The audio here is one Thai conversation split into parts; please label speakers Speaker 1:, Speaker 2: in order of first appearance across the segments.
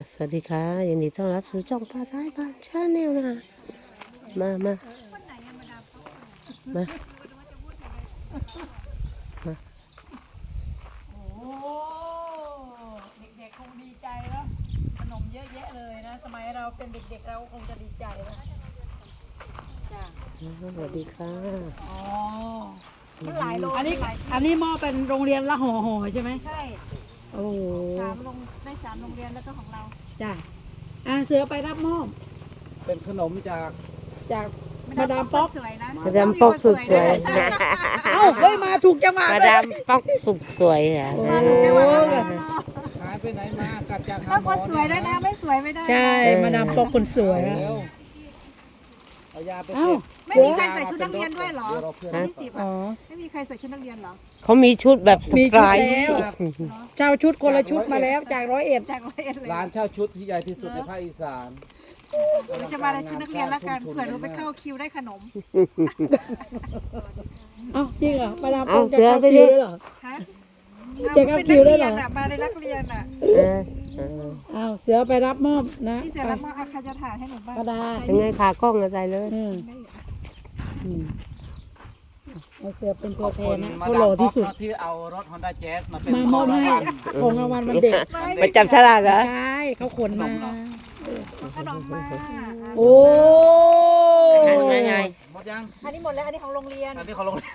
Speaker 1: สวัสดีค่ะยินดีต้อนรับสู่ช่องป้าท้ายบ้านชาแนลนะคะมา
Speaker 2: โอ้เด็กๆคงดีใจแล้วขนมเยอะแยะเลยนะสมัยเราเป็นเด็กๆเราคงจะดีใจแล้วจ้ะ
Speaker 1: สวัสดีค่ะ
Speaker 2: อ๋อ
Speaker 3: มันหลายโล
Speaker 2: อันนี้หม้อเป็นโรงเรียนละห่อใช่ไหม
Speaker 3: ใช่
Speaker 2: โอ้โห
Speaker 3: สามโรงเรียนแล้วก็ของเรา
Speaker 2: จ้ะเสือไปรับมอบ
Speaker 4: เป็นขนมจาก
Speaker 2: จากมาดามป๊อก
Speaker 3: สวยนะ
Speaker 1: มาดามปอกสุดสวย
Speaker 2: เอ้าเฮ้ยมาถูกจังหวะ
Speaker 1: มา
Speaker 2: เลย
Speaker 1: ดามปอกสุดสวยอ่ะ
Speaker 2: โอ้
Speaker 4: หายไปไหนมากลับจากหา
Speaker 3: ต้อง
Speaker 4: หม
Speaker 3: ค
Speaker 4: อน
Speaker 3: สวยด้วยนะไม่สวยไม่ได้
Speaker 2: ใช่มาดามป๊อกคนสวย
Speaker 4: เร็
Speaker 2: อะ
Speaker 4: วเอายาไป
Speaker 2: เอ้า
Speaker 4: เก็บ
Speaker 3: ไม่มีใครใส่ชุดนักเรียนด้วยเหรอ
Speaker 4: เดี๋ยวเราเพื่อน
Speaker 3: วันที่10
Speaker 2: อ๋อ
Speaker 3: ไม่มีใครใส่ชุดนักเรียนเหรอ
Speaker 1: เขามีชุดแบบส
Speaker 2: มี
Speaker 1: ไต
Speaker 2: ชุด
Speaker 1: ล์
Speaker 2: แล้วเจ้าชุดคนละชุดมาแล้วจาก101
Speaker 3: จาก100เลย
Speaker 4: ร้านเช่าชุดที่ใหญ่ที่สุดในภาคอีสาน
Speaker 3: เราจะมาในชุดนักเรียนแล้วกันเผื่อหนูไปเข้าคิวได้ขนม
Speaker 2: เอ้าจริงเหรอมาดามป๊
Speaker 1: เอา
Speaker 2: อกจะ
Speaker 1: เสือ
Speaker 2: เข้า
Speaker 1: ไป
Speaker 2: คิ
Speaker 1: ดิ
Speaker 2: วด้วยเหรอ
Speaker 3: ฮะ
Speaker 2: จะเข้าคิวได้เหรอ
Speaker 3: มาในนักเรียนอ่ะ
Speaker 1: เออ
Speaker 2: อ้าวเสือไปรับมอบนะ
Speaker 3: ที่เสร็จแล้วมาเอาใครจะถ่ายให้หนูบ้าง
Speaker 2: ป้าดา
Speaker 1: ยังไงขากล้องอะใส่เลย
Speaker 2: เอาเสือเป็นตัวแทนนะ
Speaker 4: มา
Speaker 2: เขา
Speaker 4: ดา
Speaker 2: หล่อ
Speaker 4: ม
Speaker 2: ที่สุด
Speaker 4: ป๊อกที่เอารถ Honda Jazz มาเป็น
Speaker 2: มามอบให้ของรางวัลวันเด็ก
Speaker 1: ไปจับฉลากเหรอ
Speaker 2: ใช่เขาขนมา
Speaker 3: ขนมมา
Speaker 2: โอ้
Speaker 1: นั่นไง
Speaker 4: หมดยัง
Speaker 3: อันนี้หมดแล้วอันนี้ของโรงเรียน
Speaker 4: อันนี้เขาลง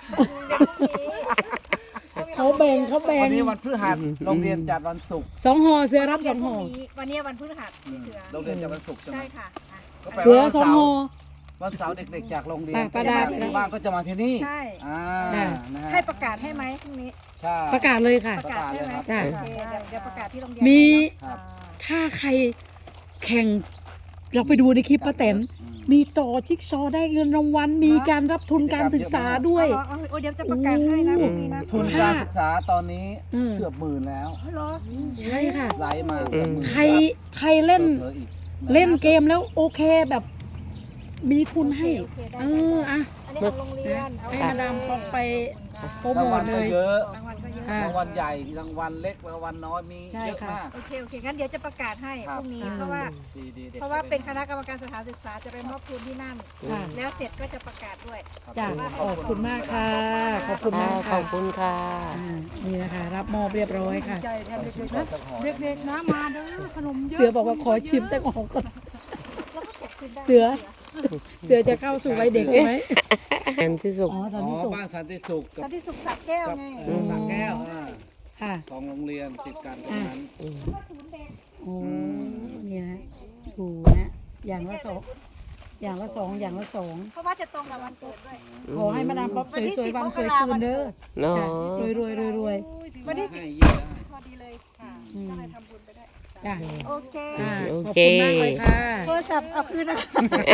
Speaker 2: เขาแบ่ง
Speaker 4: วันนี้วันพฤหัสโรงเรียนจัดวันศุกร์
Speaker 2: 2 ห่อเสือรับ2 ห่อ
Speaker 3: วันนี้วันพฤหัสที่เสือ
Speaker 4: โรงเรียนจัดวันศุกร์ใช่ไหม
Speaker 3: ใช่ค่ะอ่ะ
Speaker 4: ก็แปล
Speaker 2: เสือ
Speaker 4: ว่าวัน
Speaker 2: 2 ห่อ
Speaker 4: วันเสาร์เด็กๆจากโรงเรียน
Speaker 2: ป้าดา
Speaker 4: ที่บ้านก็จะมาที่นี่
Speaker 3: ใช่
Speaker 4: อ่า
Speaker 2: จ้ะ
Speaker 4: นะฮะ
Speaker 3: ให้ประกาศให้ไหมพรุ่งนี้
Speaker 4: ใช่
Speaker 2: ประกาศเลยค่ะ
Speaker 3: ประกาศใช่ไหม
Speaker 2: จ้ะ
Speaker 3: โอเคเดี๋ยวประกาศที่โรงเรียน
Speaker 2: มี
Speaker 4: ครับ
Speaker 2: ถ้าใครแข่ง เราไปดูในคลิปป้าแตนมีต่อจิ๊กซอว์ได้เงินรางวัล มีการรับทุนการศึกษาด้วย
Speaker 3: โอ้เดี๋ยวจะประกาศให้นะพรุ่งนี้นะ
Speaker 4: ทุนการศึกษาตอนนี้
Speaker 2: อืม
Speaker 4: เกือบ10,000แล้ว
Speaker 3: อ๋อเหรอ
Speaker 2: ใช่ค่ะ
Speaker 4: ไลฟ์มาเกือบ10,000
Speaker 2: ใครเล่น
Speaker 4: เผลอๆอีก
Speaker 2: เล่นเกมแล้วโอเคแบบมีทุนให้
Speaker 3: โอเคได้
Speaker 2: อ่ะ
Speaker 3: อันนี้ของโรงเรียนเอา
Speaker 2: ให้มาดามป๊อกไปโปรโม
Speaker 4: รางวั
Speaker 2: ท
Speaker 4: ล
Speaker 2: เล
Speaker 4: ก็
Speaker 2: ย
Speaker 4: เยอะ
Speaker 3: รางวัลก็เยอะ
Speaker 2: อ่ะ
Speaker 4: รางวัลใหญ่รางวัลเล็กรางวัลน้อยมี
Speaker 2: ใช่
Speaker 4: เยอะ
Speaker 2: ค่ะ
Speaker 4: มาก
Speaker 3: โอเคงั้นเดี๋ยวจะประกาศให้
Speaker 4: ครั
Speaker 3: พ
Speaker 4: บ
Speaker 3: รุ่งนี้
Speaker 2: อืม
Speaker 3: เพราะว่า
Speaker 4: ดีๆด็ก
Speaker 3: เพราะว่าเป็นคณะกรรมการสถานศึกษาจะไปมอบทุนที่นั่น
Speaker 2: ค่ะ
Speaker 3: แล้วเสร็จก็จะประกาศด้วย
Speaker 2: จ้ะขอบคุณมากค่ะ ขอบคุณมาก
Speaker 1: ข
Speaker 2: ค่ะ
Speaker 1: อบคุณค่ะ
Speaker 2: นี่นะคะ รับมอบเรียบร้อยค่ะ
Speaker 3: ใจแทนเด็กๆนะ
Speaker 2: เด็กๆนะมาเด้อขนมเสือบอกว่าขอชิมสักของก่อนเสือจะเข้าสู่วัยเด็กไหม
Speaker 1: แอนที่สุด
Speaker 2: อ๋อสัน
Speaker 4: อ๋
Speaker 2: ติสุ
Speaker 4: อ
Speaker 2: ข
Speaker 4: บ้านสันติสุขกั
Speaker 3: สั
Speaker 4: บ
Speaker 3: นติสุขสักแก้วไง
Speaker 4: สระแก้ว
Speaker 2: ค่ะ
Speaker 4: สองโรงเรียนติดกันตรงนั้น
Speaker 2: โอ้นี่นะดูนะอย่างละสองอย่างละสองอย่างละสอง
Speaker 3: เพราะว่าจะตรงกับวันเกิดด้วย
Speaker 2: ขอให้มาดามป๊อปสวยๆวันสวยคืนเด้อ
Speaker 1: เนาะ
Speaker 2: รวยรวยรวยรวย
Speaker 3: วันที่
Speaker 4: ให้เยี่ยมได้
Speaker 3: พอดีเลยค่ะ
Speaker 2: อืม
Speaker 3: ก็เลยทำบุญไปได้
Speaker 2: จ้ะ
Speaker 3: โอเค
Speaker 2: ขอบคุณมากเลยค่ะ
Speaker 3: โทรศัพท์เอาคืนนะคะ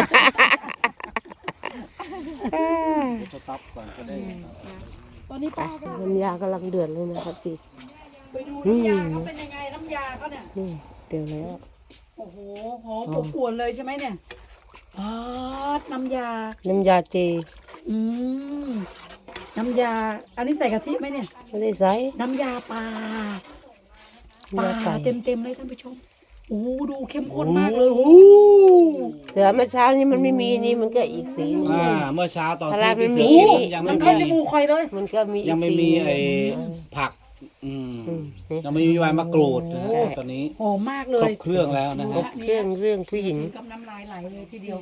Speaker 4: สต็อปก่อนก็ได้
Speaker 2: ตอนนี้ป้าก็
Speaker 1: น้ำยากำลังเดือดเลยนะครับพี่
Speaker 2: ไปดูน้ำยาเขาเป็นยังไงน้ำยาเขาเนี่ย
Speaker 1: นี่เดี๋ยวแล้ว
Speaker 2: โอ้โหหอมอบอวนเลยใช่ไหมเนี่ยอ๋อน้ำยา
Speaker 1: น้ำยาเจ
Speaker 2: อืมน้ำยา อันนี้ใส่กะทิไหมเนี่ย
Speaker 1: ไม่ได้ใส่
Speaker 2: น้ำยาปลาปลาเต็มเลยท่านผู้ชมโอ้โหดูเข้มข้นมากเลยโอ้โห
Speaker 1: เสือเมื่อเช้านี้มันไม่มีนี่มันก็อีกสีหนึง
Speaker 4: เมื่อเช้าตอน
Speaker 1: ตลา
Speaker 4: ที่
Speaker 1: ด
Speaker 4: พี่
Speaker 1: ไม่
Speaker 4: เสื
Speaker 1: มี
Speaker 4: อยัง
Speaker 2: มั
Speaker 4: ไม่
Speaker 2: นเข้าจ
Speaker 4: มี
Speaker 2: มูกคอยเลย
Speaker 1: มันก็มีอี
Speaker 4: ยัง
Speaker 1: ก
Speaker 4: ไม่
Speaker 1: สี
Speaker 4: มี
Speaker 1: หนึ่ง
Speaker 4: ไอ้ผัก
Speaker 1: นี่
Speaker 4: ยังไม่มีใบมะกรูดนะฮะ
Speaker 1: ใช่
Speaker 4: ตอนนี้
Speaker 2: หอมมากเล
Speaker 4: คร
Speaker 2: ย
Speaker 4: บเครื่องแล้วนะ
Speaker 1: คร
Speaker 4: ฮะ
Speaker 1: บเครื่องผู้หญิง
Speaker 2: ถึกับน้ำลายไหลเลยทีเดียว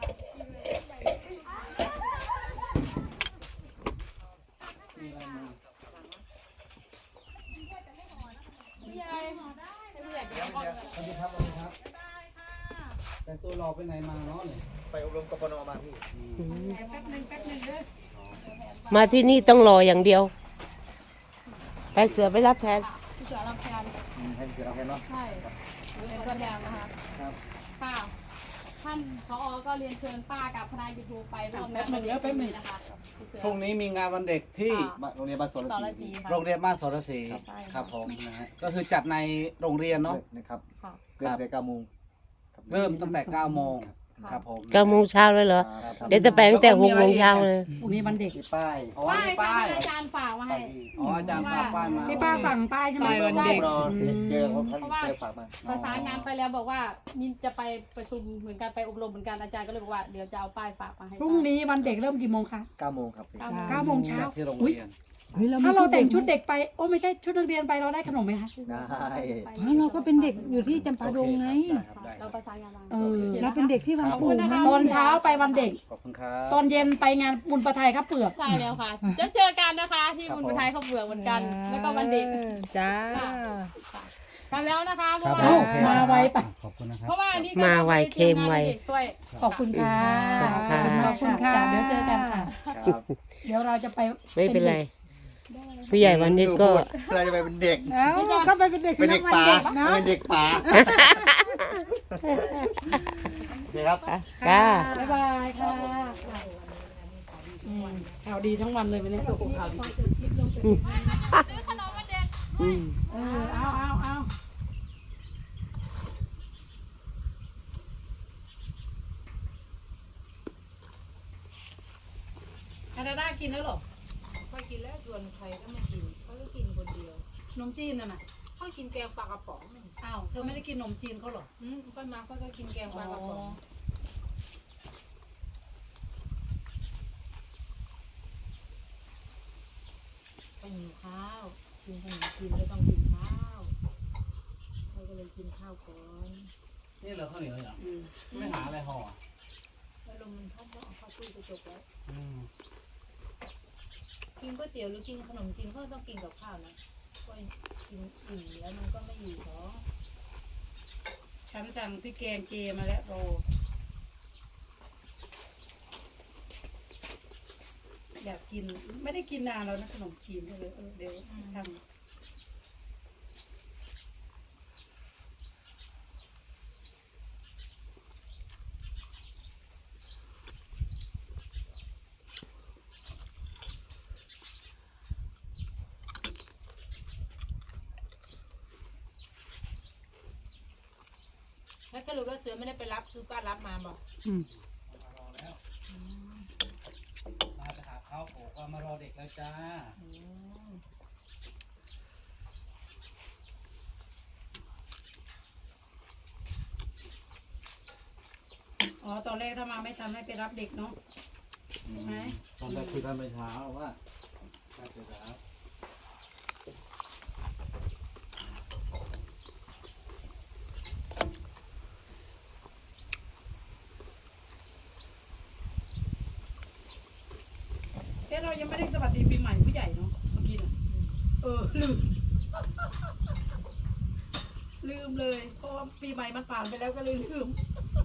Speaker 4: แต่ตัวรอไปไหนมาเนาะเนี่ย
Speaker 5: ไปอบรมกปนมาพี่
Speaker 2: แป๊บหนึ่งเด้อ
Speaker 1: มาที่นี่ต้องรออย่างเดียว ไปเสือไปรับแทน
Speaker 6: ที่เสือรับแทน
Speaker 5: ให้เสียงเราแค่เนาะ
Speaker 6: ใช่เป็นตัวแทนนะคะ
Speaker 4: ครับ
Speaker 6: ค่ะท่านผอก็เรียนเชิญป้ากับคณะยูทูบไปร่วม
Speaker 2: แป๊บหนึ่งแล้วแป๊บหนึ่ง
Speaker 6: นะคะที่เสือ
Speaker 4: พรุ่งนี้มีงานวันเด็กที่
Speaker 5: โรงเรียนบ้านสวน
Speaker 6: สร
Speaker 5: ศรี
Speaker 6: ศรีค่ะ
Speaker 4: โรงเรียนบ้านสรศรี
Speaker 6: ใช่
Speaker 4: ครับผมนะฮะก็คือจัดในโรงเรียนเนาะ
Speaker 5: นะครับ
Speaker 6: ค่ะ
Speaker 5: เริ่มแต่9 โมง
Speaker 4: เริ่มตั้งแต่9 โมง
Speaker 5: ครับผม
Speaker 1: 9 โมงเช้าเลยเหรอ เดี๋ยวจะไปตั้งแต่6 โมงเช้าเลย
Speaker 2: พรุ่งนี้วันเด็ก
Speaker 5: มีป้ายอ๋อ
Speaker 6: ป้าย
Speaker 5: มี
Speaker 6: ค่ะ
Speaker 5: ป้าย
Speaker 6: ที่อาจารย์ฝากมาให้
Speaker 4: อ๋ออาจารย์ฝากป้ายมา
Speaker 2: ที่ป้าสั่งป้ายใช่ไหม
Speaker 3: ป้ายวันเด็ก
Speaker 5: รอเจอคนเขาเจอฝากมา
Speaker 6: ประสานงานไปแล้วบอกว่ามีจะไปประชุมเหมือนกันไปอบรมเหมือนกันอาจารย์ก็เลยบอกว่าเดี๋ยวจะเอาป้ายฝากมาให้
Speaker 2: พรุ่งนี้วันเด็กเริ่มกี่โมงคะ
Speaker 5: 9 โมงครับพี่
Speaker 2: 9 โมงเช้า
Speaker 4: จากที่โรง
Speaker 2: อุ๊ย
Speaker 4: เรียน
Speaker 2: ถ้าเราแต่งชุดเด็กไปโอ้ไม่ใช่ชุดนักเรียนไปเราได้ขนมไหมคะ
Speaker 5: ได้
Speaker 3: เราก็เป็นเด็กอยู่ที่จำปาดงไง
Speaker 5: ได้ครับได้ค
Speaker 6: เรา
Speaker 5: รับ
Speaker 6: ประสานงานมา
Speaker 3: เราเป็นเด็กที่วังปู่ไง
Speaker 2: ตอนเช้าไปวันเด็ก
Speaker 5: ขอบคุณครับ
Speaker 2: ตอนเย็นไปงานบุญประไทยครับเปลือก
Speaker 6: ใช่แล้วค่ะจะเจอกันนะคะที่บุญประทายเขาเบื่อเหมือนกัน แล้วก็วันเด็ก
Speaker 3: จ้า
Speaker 6: กันแล้วนะคะเพ
Speaker 4: ครั
Speaker 6: ราะ
Speaker 4: บ
Speaker 6: ว่า
Speaker 2: มาไวไป
Speaker 4: ขอบคุณนะครับ
Speaker 6: เพราะว่าอันนี้ก็
Speaker 1: มาไว
Speaker 6: ราปตรียงน
Speaker 1: เค็มไว
Speaker 6: ให้ด็กช่วย
Speaker 2: ขอบคุณค่ะ
Speaker 1: ขอบคุณค่ะ
Speaker 2: เดี๋ยวเจอกันค่ะ
Speaker 5: ครับ
Speaker 2: เดี๋ยวเราจะไป
Speaker 1: ไม่เป็นไร ผู้ใหญ่วันนี้ก็
Speaker 5: เราจะไปเป็นเด็ก
Speaker 3: เอ้าก็ไปเป็นเด็ก
Speaker 5: เป็นเด็กป่า
Speaker 3: เนาะ
Speaker 5: เป็นเด็กป่านี่ครับ
Speaker 1: จ้า
Speaker 2: บ๊ายบายค่ะข่าวดีทั้งวันเลยวันนี้
Speaker 6: ซื้อขนมวันเด็ก
Speaker 2: เอาอาดาด้ากินแล้วเหรอ
Speaker 7: ค่อยกินแล้วส่วนใครก็ไม่กินเขาก็กินคนเดียว
Speaker 2: ขนมจีนน่ะน่ะ
Speaker 7: ค่อยกินแกงปลากระป๋อง
Speaker 2: อ้าวเธอไม่ได้กินขนมจีนเขาเหรอ
Speaker 7: ค่อยมาค่อยก็กินแกงปลากระป๋องไปหิวข้าวกินขนมกินก็ต้องกินข้าวเขาก็เลยกินข้าวก่อน
Speaker 4: นี่เหรอข้าวเหนียวเหรอไม่หาอะไรห่อ
Speaker 7: แล้วลมมันพัดก็เอาเข้าตู้กระจกแล้ว
Speaker 4: อืม
Speaker 7: กินก๋วยเตี๋ยวหรือกินขนมจีนก็ต้องกินกับข้าวนะก็กินอิ่มแล้วมันก็ไม่อยู่ท้อง
Speaker 2: ฉันสั่งพริกแกงเจมาแล้วโรอยากกินไม่ได้กินนานแล้วนะขนมจีนเลยเดี๋ยวทำ
Speaker 7: แล้วสรุปว่าเสือไม่ได้ไปรับคือป้ารับมาบอก
Speaker 4: มาจะหาข้าวโผล่ก็มารอเด็กแล้วจ้า
Speaker 2: อ๋อตอนแรกถ้ามาไม่ทันให้ไปรับเด็กเนาะใช่ไหม
Speaker 4: ตอนแรกคุยกันไปเช้าว่าถ้าเจอแล้ว
Speaker 2: เรายังไม่ได้สวัสดีปีใหม่ผู้ใหญ่เนาะเมื่อกี้น่ะลืม ลืมเลยเพราะว่าปีใหม่มันผ่านไปแล้วก็เลยลืม